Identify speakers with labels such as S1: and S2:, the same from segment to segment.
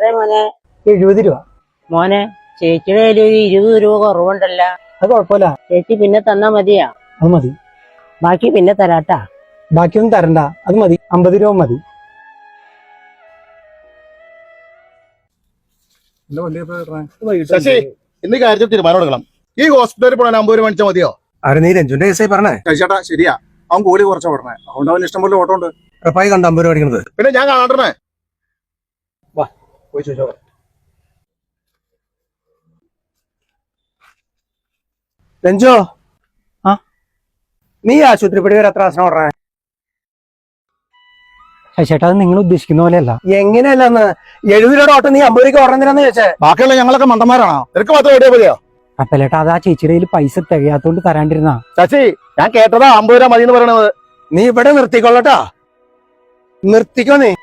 S1: എത്ര മോനെ?
S2: 70 രൂപ.
S1: മോനെ, ചേച്ചിയുടെ കയ്യിൽ ഒരു 20 രൂപ കുറവുണ്ടല്ല.
S2: അത് കുഴപ്പമില്ല,
S1: ചേച്ചി പിന്നെ തന്നാ മതിയാ?
S2: അത് മതി.
S1: ബാക്കി പിന്നെ തരാട്ടാ.
S2: ബാക്കിയൊന്നും തരണ്ട, അത് മതി. 50 രൂപ മതി.
S3: ശശി, ഇന്ന് കാര്യത്തിൽ തീരുമാനം എടുക്കണം. ഈ ഹോസ്പിറ്റലിൽ പോകാൻ 50 രൂപ മേടിച്ചാൽ മതിയോ?
S4: ആരെ നീ രഞ്ജുന്റെ കേസായി പറഞ്ഞേ?
S3: ചേട്ടാ ശരിയാ, അവൻ കൂലി കുറച്ചാ പറഞ്ഞേ. അതുകൊണ്ട് അവൻ ഇഷ്ടം പോലെ ഓട്ടം ഉണ്ട്.
S4: ഉറപ്പായി കണ്ട 50 രൂപ അടിക്കണത്.
S3: പിന്നെ ഞാൻ കാണണ്ടേ?
S4: വാ പോയി ചോദിച്ചോ. രഞ്ജോ,
S2: ആ
S4: നീ ആശുപത്രിപ്പടി വരെ എത്ര ആസനം പറഞ്ഞേ?
S2: ചേട്ടാ, അത് നിങ്ങൾ ഉദ്ദേശിക്കുന്ന പോലെയല്ല.
S4: എങ്ങനെയല്ലെന്ന് 70 രൂപയുടെ ഓട്ടം നീ 50 രൂപ ഓർഡറിനാന്ന് ചോദിച്ചേ?
S3: ബാക്കിയുള്ള ഞങ്ങളൊക്കെ മണ്ടന്മാരാണോ? നിനക്ക് മാത്രം എവിടെയാ മതിയോ?
S2: അപ്പലേട്ടാ, അത് ആ ചേച്ചിയുടെ കയ്യിൽ പൈസ തികയാത്തോണ്ട് തരാണ്ടിരുന്നാ.
S3: ശശി, ഞാൻ കേട്ടതാ 50 രൂപ മതി എന്ന് പറയണത്.
S4: നീ ഇവിടെ നിർത്തിക്കൊള്ളട്ടാ, നിർത്തിക്കോ നീ.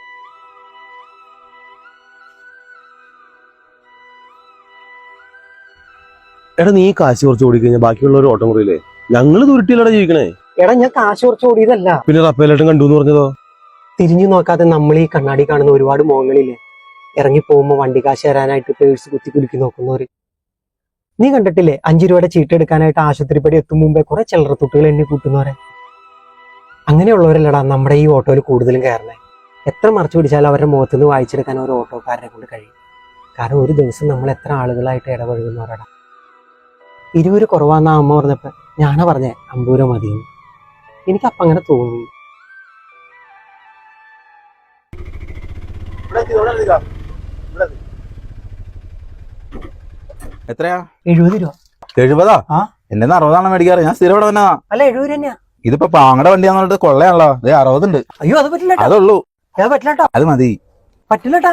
S5: എടാ, നീ കാശ് കുറച്ച് ഓടിക്കഴിഞ്ഞാൽ ബാക്കിയുള്ളവർ ഓട്ടം കുറയില്ലേ? ഞങ്ങള് ദുരുട്ടിയിലൂടെ ജീവിക്കണേ.
S2: എടാ, ഞാൻ കാശ് കുറച്ച് ഓടിയതല്ല.
S5: പിന്നെ റപ്പേലേട്ടൻ കണ്ടു എന്ന് പറഞ്ഞതോ?
S2: തിരിഞ്ഞു നോക്കാതെ നമ്മൾ ഈ കണ്ണാടി കാണുന്ന ഒരുപാട് മുഖങ്ങളില്ലേ, ഇറങ്ങി പോകുമ്പോ വണ്ടി കാശ് തരാനായിട്ട് പേഴ്സ് കുത്തി കുലുക്കി നോക്കുന്നവര്. നീ കണ്ടിട്ടില്ലേ 5 രൂപയുടെ ചീട്ട് എടുക്കാനായിട്ട് ആശുപത്രിപ്പടി എത്തും മുമ്പേ കുറെ ചില്ലറത്തുട്ടുകൾ എണ്ണി കൂട്ടുന്നവരെ? അങ്ങനെയുള്ളവരല്ലടാ നമ്മുടെ ഈ ഓട്ടോയിൽ കൂടുതലും കയറണേ. എത്ര മറച്ചു പിടിച്ചാലും അവരുടെ മുഖത്ത് നിന്ന് വായിച്ചെടുക്കാൻ ഒരു ഓട്ടോക്കാരനെ കൊണ്ട് കഴിയും. കാരണം ഒരു ദിവസം നമ്മൾ എത്ര ആളുകളായിട്ട് ഇടപഴകുന്നവരടാ. 20 രൂപ കുറവാന്നാ അമ്മ പറഞ്ഞപ്പോ ഞാനാ പറഞ്ഞേ 50 രൂപ മതിയെന്ന്. എനിക്കപ്പം അങ്ങനെ തോന്നി.
S5: എത്രയാ?
S2: 70 രൂപ.
S5: 70?
S2: ആ,
S5: എന്നെ 60 മേടിക്കാറ്. ഞാൻ സ്ഥിരം ഇവിടെ വന്നാ.
S2: അല്ല 70 രൂപ തന്നെയാ.
S5: ഇതിപ്പോ പാങ്ങടെ വണ്ടിയാന്ന് പറഞ്ഞിട്ട് കൊള്ളയാണല്ലോ. 60 ഉണ്ട്.
S2: അയ്യോ, അത് പറ്റില്ല.
S5: അതുള്ളൂ.
S2: അത് പറ്റില്ലട്ടോ.
S5: അത് മതി.
S2: പറ്റില്ലട്ടാ.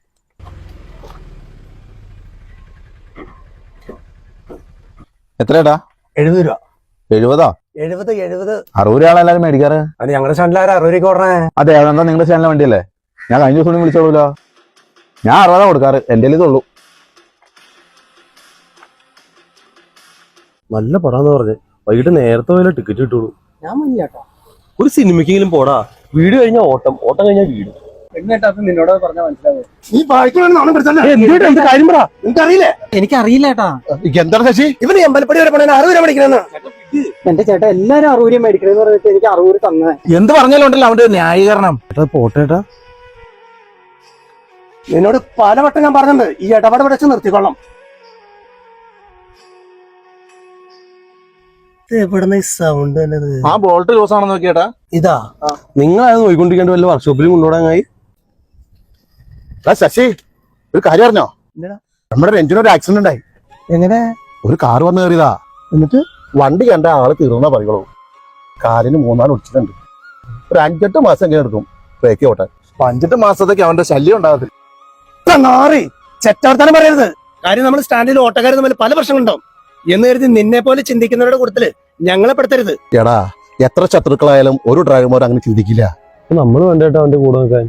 S5: എത്രയാടാ?
S4: 70 രൂപ.
S5: 70?
S4: 70
S5: 60 രൂപയാണ് എല്ലാരും മേടിക്കാറ്.
S4: അത് ഞങ്ങളുടെ സ്റ്റാൻഡിൽ 60 രൂപ ഓർണേ.
S5: അതെ, അതെന്താ നിങ്ങളുടെ ചാനലിലെ വണ്ടിയല്ലേ? ഞാൻ കഴിഞ്ഞ ദിവസം വിളിച്ചോളൂല്ലോ. ഞാൻ 60 കൊടുക്കാറ്. എന്റെ ഇതുള്ളൂ. നല്ല പടാന്ന് പറഞ്ഞ് വൈകിട്ട് നേരത്തെ പോയാലും ടിക്കറ്റ് കിട്ടുള്ളൂ.
S2: ഞാൻ മതിയാട്ടോ.
S5: ഒരു സിനിമയ്ക്കെങ്കിലും പോടാ. വീട് കഴിഞ്ഞാൽ ഓട്ടം, ഓട്ടം കഴിഞ്ഞാൽ വീട്.
S4: നിന്നോട് പറഞ്ഞാൽ മനസ്സിലാവും.
S3: നീ
S4: കാര്യം പറ, നിനക്കറിയില്ലേ?
S2: എനിക്കറിയില്ല ഏട്ടാ.
S3: എന്താണ് ശശി?
S4: ഇവന് അമ്പലപ്പടി വരെ പോണേ 60 രൂപ മേടിക്കണെന്ന്.
S2: എന്റെ ചേട്ടാ, എല്ലാരും 60 രൂപ മേടിക്കണെന്ന് പറഞ്ഞിട്ട് എനിക്ക് 60 രൂപ തന്നെ.
S5: എന്ത് പറഞ്ഞാലും ഉണ്ടല്ലോ അവന്റെ ന്യായീകരണം. പോട്ടേട്ടാ,
S4: നിന്നോട് പലവട്ടം ഞാൻ പറഞ്ഞിട്ടുണ്ട്, ഈ ഇടപാട് വെച്ച് നിർത്തിക്കൊള്ളാം. എവിടുന്ന ഈ സൗണ്ട് തന്നെ?
S3: ആ ബോൾട്ട് ലൂസ് ആണെന്ന് നോക്കിയേട്ടാ.
S4: ഇതാ
S5: നിങ്ങൾ അത് നോയിക്കൊണ്ടിരിക്കേണ്ട വല്ല വർക്ക്ഷോപ്പിലും കൊണ്ടുപോടാങ്ങായി.
S3: ശശി, ഒരു കാര്യം അറിഞ്ഞോ? നമ്മുടെ രഞ്ജിന് ഒരു ആക്സിഡന്റ് ഉണ്ടായി.
S4: എങ്ങനെ?
S3: ഒരു കാർ വന്ന് കയറിയതാ.
S4: എന്നിട്ട്
S3: വണ്ടി കണ്ട ആള് തീർന്നാ പറയുള്ളൂ. കാലിന് 3-4 ഒടിച്ചിട്ടുണ്ട്. ഒരു 5-8 മാസം എങ്ങനെ എടുക്കും ബ്രേക്ക് ഓട്ടെ? 5-8 മാസത്തേക്ക് അവന്റെ ശല്യം ഉണ്ടാകത്തില്ല.
S4: ചെറ്റവർത്താനം പറയരുത്. കാര്യം നമ്മൾ സ്റ്റാൻഡിൽ ഓട്ടക്കാർ തമ്മിൽ പല പ്രശ്നങ്ങളുണ്ടാവും എന്ന് കരുതി നിന്നെ പോലെ ചിന്തിക്കുന്നവരുടെ കൂട്ടത്തില് ഞങ്ങളെ പെടുത്തരുത്.
S3: എടാ, എത്ര ശത്രുക്കളായാലും ഒരു ഡ്രൈവർമാർ അങ്ങനെ ചിന്തിക്കില്ല.
S5: നമ്മൾ വേണ്ടേട്ടാ അവന്റെ കൂടെ നിൽക്കാൻ.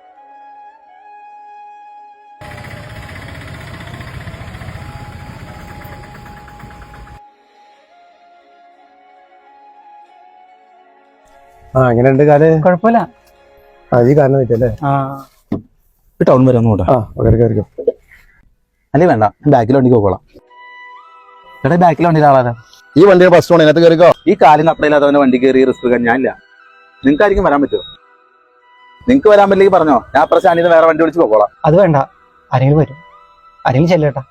S4: എങ്ങനെയുണ്ട് കാല്?
S2: കുഴപ്പമില്ല.
S4: അത് ഈ കാരണം പറ്റല്ലേ?
S5: ടൗൺ വരെ ഒന്നും കൂട്ടാ.
S4: കയറിക്കോ.
S5: അല്ലേ വേണ്ട, ബാക്കിൽ വണ്ടിക്ക് പോകോളാം. ചേട്ടാ, ബാക്കിൽ വണ്ടിയിൽ ആളാരാ?
S3: ഈ വണ്ടിയുടെ ഫസ്റ്റ് ഓൺ ഇതിനകത്ത് കയറിക്കോ.
S5: ഈ കാലിന് അത്രയില്ലാത്തവന്റെ വണ്ടി കയറി റിസ്ക് എടുക്കാൻ ഞാനില്ല. നിങ്ങൾക്ക് ആയിരിക്കും വരാൻ പറ്റുമോ? നിങ്ങൾക്ക് വരാൻ പറ്റില്ലെങ്കിൽ പറഞ്ഞോ, ഞാൻ അപ്പുറം സ്റ്റാൻഡിൽ നിന്ന് വേറെ വണ്ടി വിളിച്ച് പോകോളാം.
S2: അത് വേണ്ട, ആരെങ്കിലും വരും. ആരെങ്കിലും ചെല്ലേട്ടാ.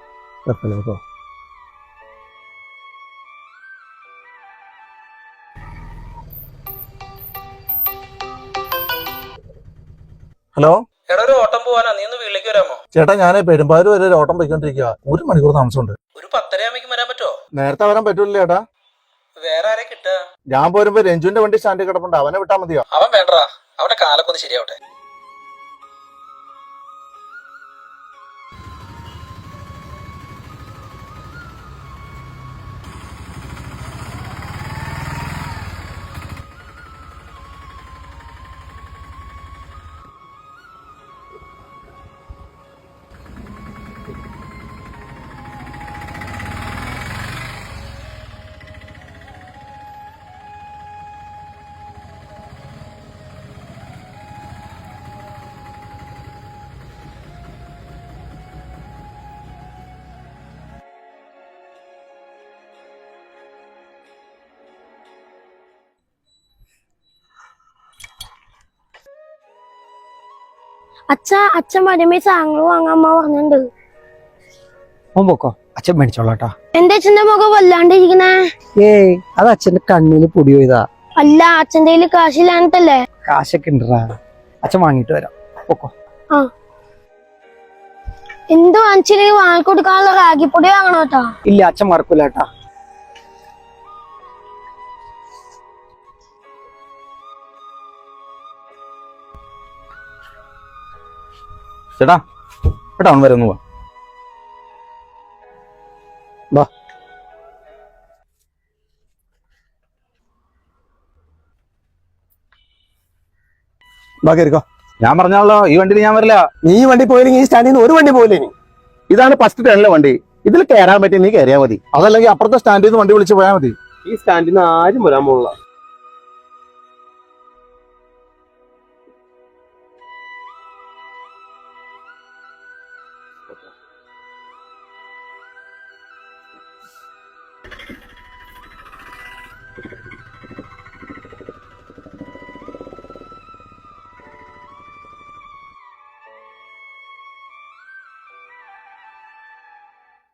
S4: ഹലോ
S6: എടാ, ഒരു ഓട്ടം പോവാനാ, നീ ഒന്ന് വീട്ടിലേക്ക് വരാമോ?
S3: ചേട്ടാ, ഞാൻ പെരുമ്പാവൂർ വരെ ഒരു ഓട്ടം പോയിക്കൊണ്ടിരിക്കുക. 1 മണിക്കൂർ താമസമുണ്ട്.
S6: ഒരു 10:30 വരാൻ പറ്റുമോ?
S3: നേരത്തെ വരാൻ പറ്റൂല ചേട്ടാ.
S6: വേറെ ആരെ കിട്ടുക?
S3: ഞാൻ പോരുമ്പോ രഞ്ജുവിന്റെ വണ്ടി സ്റ്റാൻഡിൽ കിടപ്പുണ്ട്. അവനെ വിട്ടാ മതിയോ?
S6: അവൻ വേണ്ടടാ, അവന്റെ കാലൊക്കെ ഒന്ന് ശരിയാവട്ടെ.
S7: അച്ഛൻ വരുമ്പോ സാധനങ്ങൾ വാങ്ങാൻ അമ്മ പറഞ്ഞിട്ടുണ്ട്.
S2: ഓൻ പൊക്കോ, അച്ഛൻ മേടിച്ചോളാട്ടാ.
S7: എന്റെ അച്ഛന്റെ മുഖം വല്ലാണ്ടിരിക്കണേ.
S2: ഏയ്, അത് അച്ഛന്റെ കണ്ണിന് പൊടി പോയതാ.
S7: അല്ല, അച്ഛന്റെ കയ്യില് കാശില്ലാന്നിട്ടല്ലേ?
S2: കാശൊക്കെ ഉണ്ടറാ, അച്ഛൻ വാങ്ങിട്ട് വരാം. പൊക്കോ.
S7: എന്ത് വാങ്ങിച്ചില്ലെങ്കിൽ വാങ്ങിക്കൊടുക്കാനുള്ള റാഗിപ്പൊടി വാങ്ങണോ കേട്ടാ?
S2: ഇല്ല, അച്ഛൻ മറക്കൂലേട്ടാ.
S5: ചേട്ടാ ടൗൺ വരെ ഒന്ന് പോവാ.
S3: കയറിക്കോ.
S5: ഞാൻ പറഞ്ഞാലോ, ഈ വണ്ടിയിൽ ഞാൻ വരില്ല.
S3: നീ വണ്ടി പോയില്ലെങ്കിൽ ഈ സ്റ്റാൻഡിൽ നിന്ന് ഒരു വണ്ടി പോയില്ലേ? നീ ഇതാണ് ഫസ്റ്റ് ടേണിലെ വണ്ടി. ഇതിൽ കയറാൻ പറ്റി നീ കയറിയാൽ മതി. അതല്ലെങ്കിൽ അപ്പുറത്തെ സ്റ്റാൻഡിൽ നിന്ന് വണ്ടി വിളിച്ച് പോയാൽ മതി.
S8: ഈ സ്റ്റാൻഡിൽ നിന്ന് ആരും വരാൻ പോകില്ല.